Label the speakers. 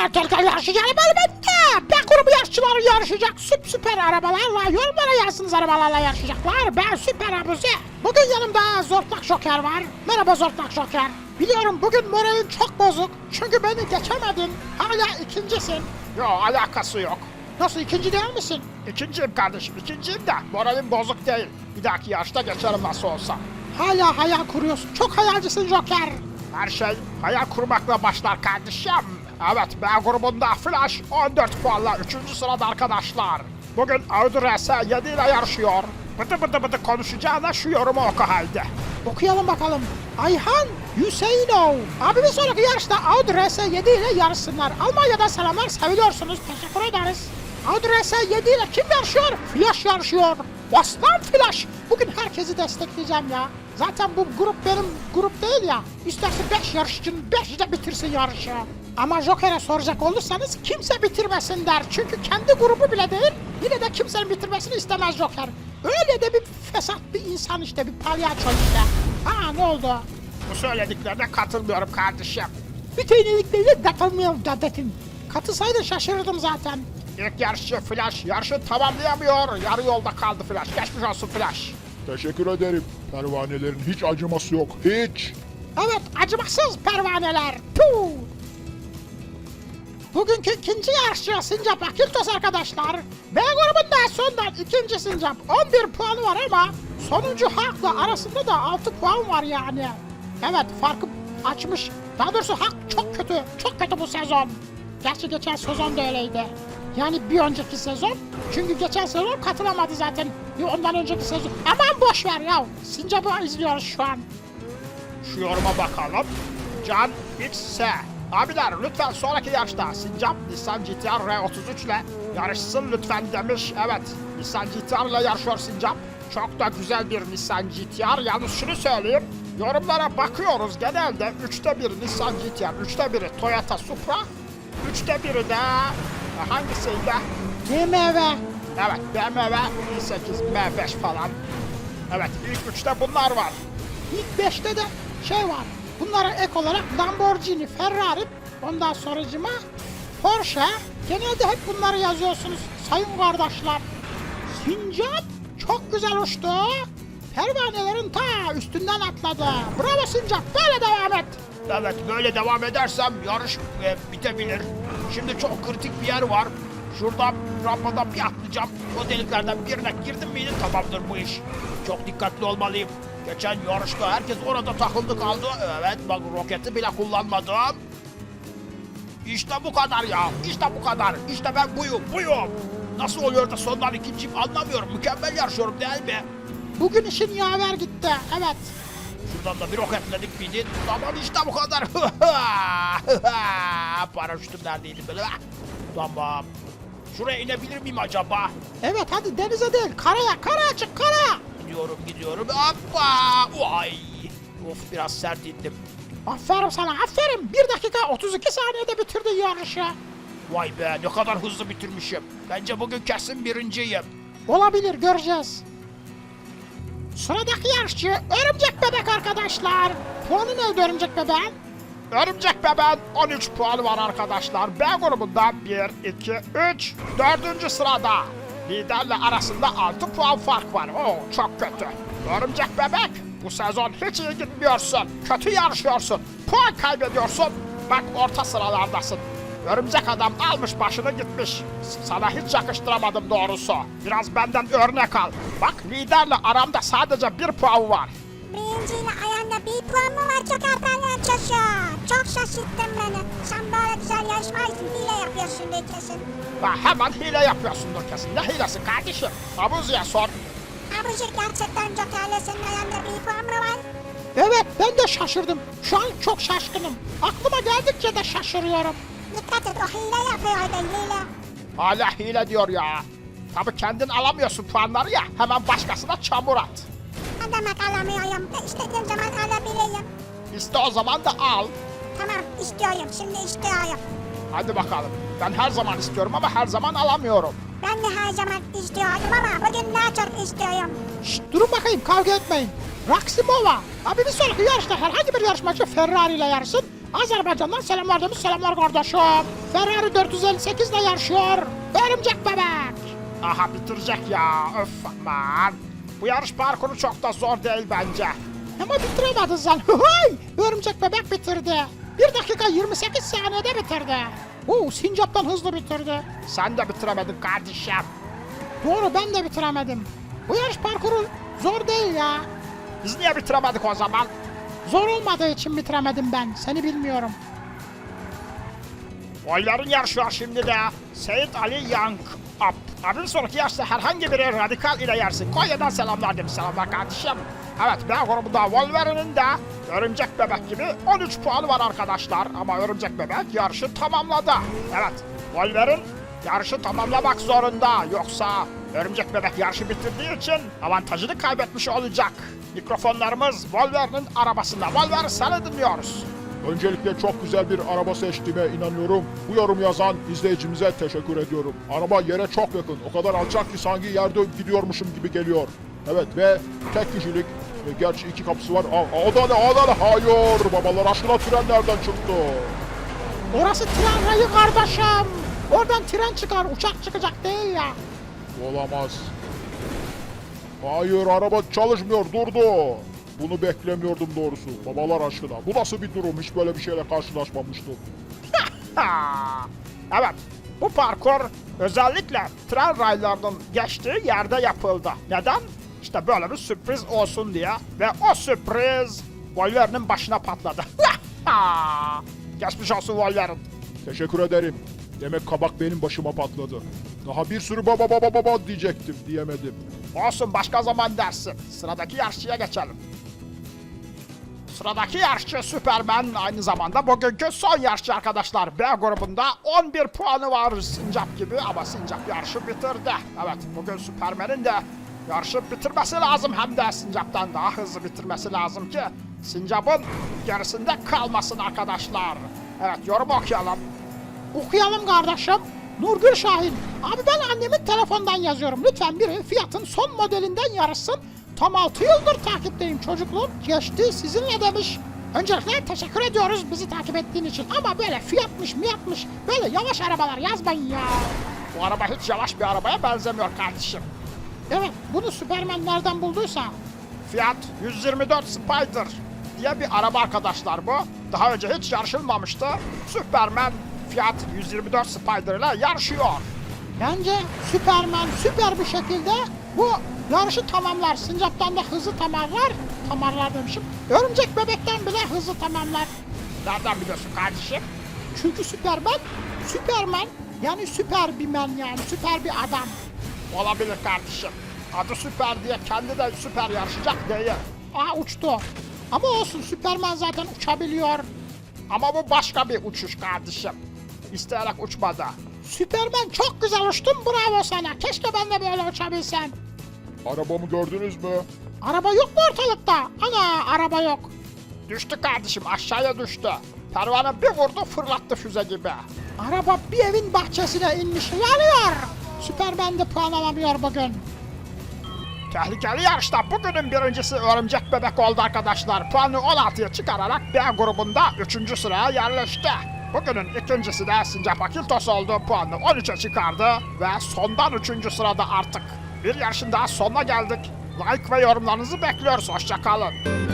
Speaker 1: Gel yarışacağım elbette. B grubu yarışçıları yarışacak süper arabalarla, yorumlara yazsınız arabalarla yarışacaklar. Ben Süper Abuzi. Bugün yanımda Zortlak Joker var. Merhaba Zortlak Joker. Biliyorum bugün moralin çok bozuk. Çünkü beni geçemedin. Hala ikincisin.
Speaker 2: Yok, alakası yok.
Speaker 1: Nasıl, ikinci değil misin?
Speaker 2: İkinciyim kardeşim, ikinciyim de moralim bozuk değil. Bir dahaki yarışta geçerim nasıl olsa.
Speaker 1: Hala hayal kuruyorsun. Çok hayalcisin Joker.
Speaker 2: Her şey hayal kurmakla başlar kardeşim. Evet, B grubunda Flash 14 puanla 3. sırada arkadaşlar. Bugün Audi RS7 ile yarışıyor. Bıdı bıdı konuşacağına şu yorumu oku halde.
Speaker 1: Okuyalım bakalım. Ayhan Hüseyinov. Abi bir sonraki yarışta Audi RS7 ile yarışsınlar. Almanya'dan selamlar, seviliyorsunuz. Teşekkür ederiz. Audi RS7 ile kim yarışıyor? Flash yarışıyor. Aslan Flash. Bugün herkesi destekleyeceğim ya. Zaten bu grup benim grup değil ya. İsterse 5 yarışçının 5'i de bitirsin yarışı. Ama Joker'e soracak olursanız kimse bitirmesin der. Çünkü kendi grubu bile değil, yine de kimsenin bitirmesini istemez Joker. Öyle de bir fesat bir insan işte, bir palyaço işte. Ha, ne oldu?
Speaker 2: Bu söylediklerine katılmıyorum kardeşim.
Speaker 1: Bütün yenilikleriyle katılmıyorum dedim. Katılsaydın şaşırırdım zaten.
Speaker 2: İlk yarışçı Flash yarışı tamamlayamıyor. Yarı yolda kaldı Flash. Geçmiş olsun Flash.
Speaker 3: Teşekkür ederim. Pervanelerin hiç acıması yok. Hiç.
Speaker 1: Evet, acımasız pervaneler. Puh! Bugünkü ikinci yarışçı Sincap Akiltos arkadaşlar. B grubunda sondan ikinci Sincap. 11 puanı var ama sonuncu Hak'la arasında da 6 puan var yani. Evet, farkı açmış. Daha doğrusu Hak çok kötü. Çok kötü bu sezon. Gerçi geçen sezon da öyleydi. Yani bir önceki sezon. Çünkü geçen sezon katılamadı zaten. Ondan önceki sezon. Aman boş ver ya. Sincap'ı izliyoruz şu an.
Speaker 2: Şu yoruma bakalım. Can XS. Abiler lütfen sonraki yarışta Sincap Nissan GT-R R33 ile yarışsın lütfen demiş. Evet, Nissan GT-R ile yarışıyor Sincap. Çok da güzel bir Nissan GT-R. Yalnız şunu söyleyeyim. Yorumlara bakıyoruz, genelde 3'te 1 Nissan GT-R, 3'te 1'i Toyota Supra, 3'te 1'i de hangisiydi?
Speaker 1: BMW.
Speaker 2: Evet, BMW i8, M5 falan. Evet, ilk 3'te bunlar var.
Speaker 1: İlk 5'te de şey var. Bunlara ek olarak Lamborghini, Ferrari, ondan sonracıma Porsche. Genelde hep bunları yazıyorsunuz sayın kardeşler. Sincap çok güzel uçtu. Pervanelerin ta üstünden atladı. Bravo Sincap, böyle devam et.
Speaker 2: Evet, böyle devam edersem yarış bitebilir. Şimdi çok kritik bir yer var. Şuradan rampadan bir atlayacağım. O deliklerden birine girdim miydi tamamdır bu iş. Çok dikkatli olmalıyım. Geçen yarışta herkes orada takıldı kaldı. Evet, bak roketi bile kullanmadım. İşte bu kadar ya. İşte bu kadar. İşte ben buyum. Nasıl oluyor da sondan ikinciyim anlamıyorum. Mükemmel yarışıyorum değil mi?
Speaker 1: Bugün işin yaver gitti, evet.
Speaker 2: Şuradan da bir roketledik miydi? Tamam işte bu kadar. Paraşütüm neredeydi böyle? Tamam. Şuraya inebilir miyim acaba?
Speaker 1: Evet, hadi denize değil, karaya çık, karaya.
Speaker 2: Gidiyorum. Hoppa! Vay! Of, biraz sert indim.
Speaker 1: Aferin sana, aferin. 1 dakika 32 saniyede bitirdin yarışı.
Speaker 2: Vay be, ne kadar hızlı bitirmişim. Bence bugün kesin birinciyim.
Speaker 1: Olabilir, göreceğiz. Sıradaki yarışçı Örümcek Bebek arkadaşlar. Puanı neydi Örümcek Bebek'in?
Speaker 2: Örümcek Bebeğin 13 puanı var arkadaşlar. B grubunda 1, 2, 3, 4. sırada. Liderle arasında 6 puan fark var. Oo, çok kötü. Örümcek Bebek, bu sezon hiç iyi gitmiyorsun. Kötü yarışıyorsun. Puan kaybediyorsun. Bak, orta sıralardasın. Örümcek Adam almış başını gitmiş. Sana hiç yakıştıramadım doğrusu. Biraz benden örnek al. Bak, liderle aramda sadece 1 puan var.
Speaker 4: Birinciyle ayağında bir puan mı var çok erken çalışıyor. Çok şaşırttın beni. Sen böyle güzel yarışmaysın, hile yapıyorsun kesin.
Speaker 2: Ha, hemen hile yapıyorsundur kesin. Ne hilesi kardeşim? Abuzi'ye sor.
Speaker 4: Abuzi gerçekten Joker'le senin ayağında bir puan mı var?
Speaker 1: Evet, ben de şaşırdım. Şu an çok şaşkınım. Aklıma geldikçe de şaşırıyorum.
Speaker 4: Dikkat et, o hile yapıyor orada, hile.
Speaker 2: Hala hile diyor ya. Tabii kendin alamıyorsun puanları ya. Hemen başkasına çamur at.
Speaker 4: Ne demek alamıyorum? İstediğim zaman alabilirim.
Speaker 2: İste o zaman da al.
Speaker 4: Tamam, istiyorum, şimdi istiyorum.
Speaker 2: Hadi bakalım. Ben her zaman istiyorum ama her zaman alamıyorum.
Speaker 4: Ben de her zaman istiyordum ama bugün daha çok istiyorum.
Speaker 1: Şşt, durun bakayım, kavga etmeyin. Raksimova. Abi bir sonraki yarışta herhangi bir yarışmacı Ferrari ile yarışsın. Azerbaycan'dan selamlar demiş. Selamlar kardeşim. Ferrari 458 ile yarışıyor. Örümcek bebek.
Speaker 2: Aha bitirecek ya. Öf aman. Bu yarış parkuru çok da zor değil bence.
Speaker 1: Ama bitiremedin sen. Hıhıy! Örümcek bebek bitirdi. 1 dakika 28 saniyede bitirdi. Sincap'tan hızlı bitirdi.
Speaker 2: Sen de bitiremedin kardeşim.
Speaker 1: Doğru, ben de bitiremedim. Bu yarış parkuru zor değil ya.
Speaker 2: Biz niye bitiremedik o zaman?
Speaker 1: Zor olmadığı için bitiremedim ben. Seni bilmiyorum.
Speaker 2: Oyların yarışıyor şimdi de. Seyit Ali Yank Up. Abinin sonraki yarışta herhangi biri radikal ile yersin. Konya'dan selamlar demiş. Selamlar kardeşim. Evet, B grubunda Wolverine'in de Örümcek Bebek gibi 13 puanı var arkadaşlar. Ama Örümcek Bebek yarışı tamamladı. Evet, Wolverine yarışı tamamlamak zorunda. Yoksa Örümcek Bebek yarışı bitirdiği için avantajını kaybetmiş olacak. Mikrofonlarımız Wolverine'in arabasında. Wolverine, seni dinliyoruz.
Speaker 3: Öncelikle çok güzel bir araba seçtiğime inanıyorum. Bu yorum yazan izleyicimize teşekkür ediyorum. Araba yere çok yakın. O kadar alçak ki sanki yerde gidiyormuşum gibi geliyor. Evet ve tek kişilik. Gerçi 2 kapısı var. O da ne? Hayır. Babalar aşkına tren nereden çıktı?
Speaker 1: Orası tren rayı kardeşim. Oradan tren çıkar, uçak çıkacak değil ya.
Speaker 3: Olamaz. Hayır, araba çalışmıyor, durdu. Bunu beklemiyordum doğrusu. Babalar aşkına. Bu nasıl bir durum? Hiç böyle bir şeyle karşılaşmamıştım.
Speaker 2: Evet, bu parkur özellikle tren raylarının geçtiği yerde yapıldı. Neden? İşte böyle bir sürpriz olsun diye. Ve o sürpriz Wolverine'in başına patladı. Geçmiş olsun Wolverine.
Speaker 3: Teşekkür ederim. Demek kabak benim başıma patladı. Daha bir sürü baba diyecektim, diyemedim.
Speaker 2: Olsun, başka zaman dersin. Sıradaki yarışçıya geçelim. Sıradaki yarışçı Superman, aynı zamanda bugünkü son yarışçı arkadaşlar. B grubunda 11 puanı var Sincap gibi ama Sincap yarışı bitirdi. Evet, bugün Superman'in de yarışı bitirmesi lazım, hem de Sincap'tan daha hızlı bitirmesi lazım ki Sincap'ın gerisinde kalmasın arkadaşlar. Evet, yorum okuyalım.
Speaker 1: Okuyalım kardeşim. Nurgül Şahin. Abi ben annemin telefondan yazıyorum. Lütfen biri Fiat'ın son modelinden yarışsın. Tam 6 yıldır takipteyim. Çocukluğum geçti sizinle demiş. Öncelikle teşekkür ediyoruz bizi takip ettiğin için. Ama böyle Fiat'mış miyatmış böyle yavaş arabalar yazmayın ya.
Speaker 2: Bu araba hiç yavaş bir arabaya benzemiyor kardeşim.
Speaker 1: Evet, bunu Superman nereden bulduysa.
Speaker 2: Fiat 124 Spider diye bir araba arkadaşlar bu. Daha önce hiç yarışılmamıştı. Superman Fiat 124 Spider ile yarışıyor.
Speaker 1: Bence Superman süper bir şekilde bu yarışı tamamlar. Sincap'tan da hızlı tamamlar demişim. Örümcek bebekten bile hızlı tamamlar.
Speaker 2: Nereden biliyorsun kardeşim?
Speaker 1: Çünkü Superman yani süper bir men, yani süper bir adam.
Speaker 2: Olabilir kardeşim. Adı Süper diye kendi de süper yarışacak değil.
Speaker 1: Uçtu. Ama olsun, Superman zaten uçabiliyor.
Speaker 2: Ama bu başka bir uçuş kardeşim. İsteyerek uçmadı.
Speaker 1: Superman çok güzel uçtun, bravo sana. Keşke ben de böyle uçabilsem.
Speaker 3: Arabamı gördünüz mü?
Speaker 1: Araba yok mu ortalıkta? Ana, araba yok.
Speaker 2: Düştü kardeşim, aşağıya düştü. Pervane bir vurdu, fırlattı füze gibi.
Speaker 1: Araba bir evin bahçesine inmiş, yanıyor. Superman de puan alamıyor bugün.
Speaker 2: Tehlikeli yarışta bugünün birincisi Örümcek Bebek oldu arkadaşlar. Puanı 16'ya çıkararak B grubunda 3. sıraya yerleşti. Bugünün ikincisi de Sincap Akiltos oldu. Puanını 13'e çıkardı ve sondan 3. sırada artık. Bir yarışın daha sonuna geldik. Like ve yorumlarınızı bekliyoruz. Hoşça kalın.